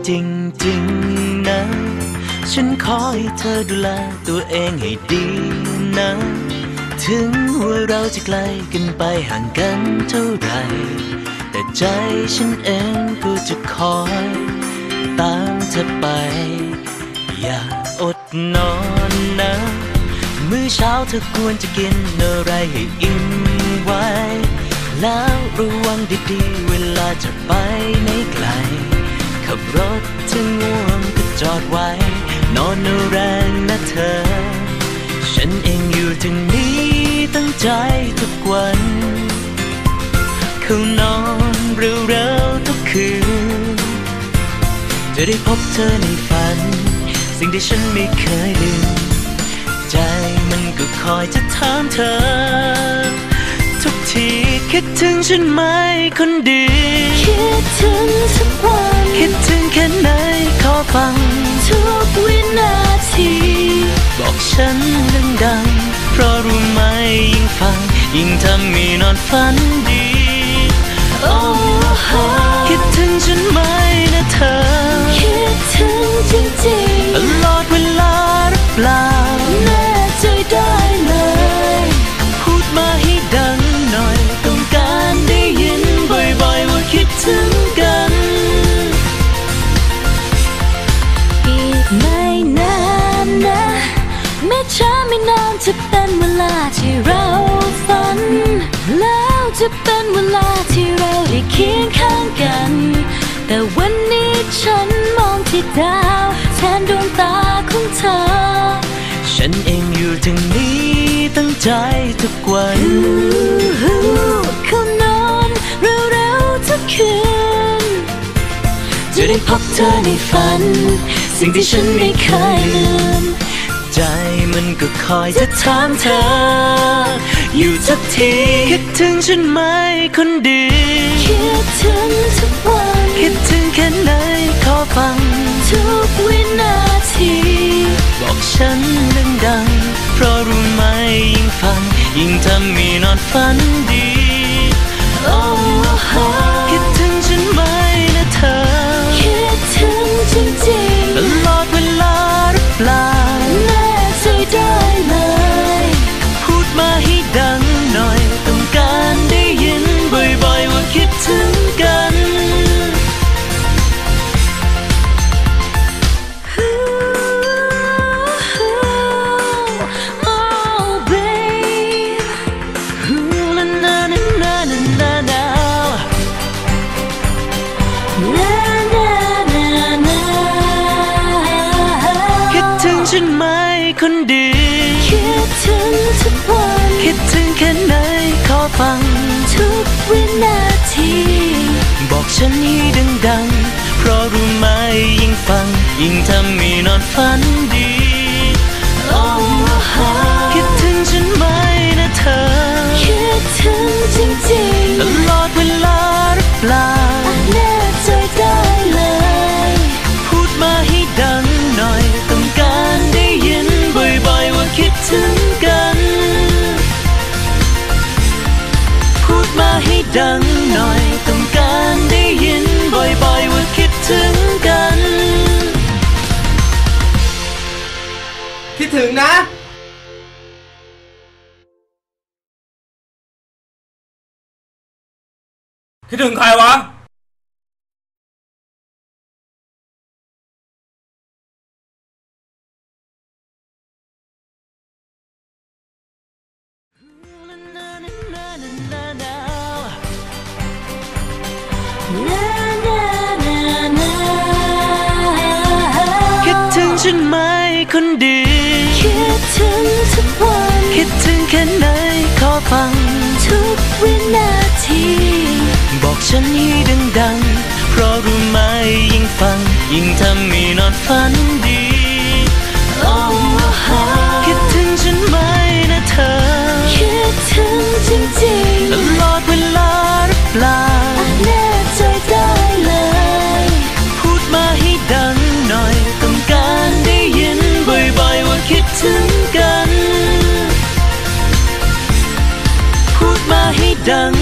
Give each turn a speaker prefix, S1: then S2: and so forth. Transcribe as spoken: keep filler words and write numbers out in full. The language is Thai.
S1: จริงๆนะฉันขอให้เธอดูแลตัวเองให้ดีนะถึงว่าเราจะไกลกันไปห่างกันเท่าไรแต่ใจฉันเองก็จะคอยตามเธอไปอย่าอดนอนนะมื้อเช้าเธอควรจะกินอะไรให้อิ่มไว้แล้วระวังดีๆเวลาจะไปไหนไกลขับรถถึงง่วงก็จอดไว้นอนเอาแรงนะเธอฉันเองอยู่ทางนี้ตั้งใจทุกวันเข้านอนเร็วๆทุกคืนจะได้พบเธอในฝันสิ่งที่ฉันไม่เคยลืมใจมันก็คอยจะถามเธอทุกทีคิดถึงฉันไหมคนดี
S2: คิดถึงทุกวัน
S1: คิดถึงแค่ไหนขอฟัง
S2: ทุกวินาที
S1: บอกฉันดังๆเพราะรู้ไหมยิ่งฟังยิ่งทำให้นอนฝันดี
S2: โอ้โห
S1: คิดถึงฉันไหมนะเธอ
S2: คิดถึงจริงๆ
S1: ตลอดเวลาหรือเปล่า
S2: แน่ใจได้เลย
S1: พูดมาให้ดังหน่อยต้องการได้ยินบ่อยๆว่าคิดถึงกัน
S2: อีกไม่นานนะไม่ช้าไม่นานจะเป็นเวลาที่เราฝันแล้วจะเป็นเวลาที่เราได้เคียงข้างกันแต่วันนี้ฉันมองที่ดาวแทนดวงตาของเธอ
S1: ฉันเองอยู่ทางนี้ตั้งใจทุกวัน
S2: เข้านอนเร็วๆทุกคืน
S1: จะได้พบเธอในฝันสิ่งที่ฉันไม่เคยลืมใจมันก็คอยจะถามเธออยู่ทุกทีคิดถึงฉันไหมคนดี
S2: คิดถึงทุกวัน
S1: คิดถึงแค่ไหนขอฟัง
S2: ทุกวินาที
S1: บอกฉันดังๆเพราะรู้ไหมยิ่งฟังยิ่งทำให้นอนฝันดี
S2: โอ้โห
S1: คิดถึงฉันไหมนะเธอ
S2: คิดถึงจริงๆ
S1: ตลอดเวลาหรือเปล่า
S2: แน่ใจได้เลย
S1: พูดมาให้ดังหน่อยต้องการได้ยินบ่อยๆว่าคิดถึงกันฉันไหมคนดี
S2: คิดถึงทุกวัน
S1: คิดถึงแค่ไหนขอฟัง
S2: ทุกวินาที
S1: บอกฉันให้ดังๆเพราะรู้ไหมยิ่งฟังยิ่งทำให้นอนฝันดี
S2: โอ้โห
S1: คิดถึงฉันไหมนะเธอ
S2: คิดถึงจริงๆ
S1: ตลอดเวลาหรือเปล่า
S2: แน่ใจได้เลย
S1: พูดมาให้ดังหน่อยต้องการได้ยินบ่อยๆว่าคิดถึงกันพูดมาให้ดังหน่อยต้องการได้ยินบ่อยๆว่าคิดถึงกัน
S3: คิดถึงนะคิดถึงใครวะ
S1: คิดถึงฉันไหมคนดี
S2: คิดถึงทุกวัน
S1: คิดถึงแค่ไหนขอฟัง
S2: ทุกวินาที
S1: บอกฉันให้ดังๆเพราะรู้ไหมยิ่งฟังยิ่งทำให้นอนฝันดี
S2: โอ้โห
S1: คิดถึงฉันไหมนะเธอ
S2: คิดถึงจริง
S1: ๆตลอดเวลาหรือเปล่า
S2: แน่ใจได้เลย
S1: พูดมาให้ดังหน่อยต้องการได้ยินบ่อยๆว่าคิดถึงกันพูดมาให้ดัง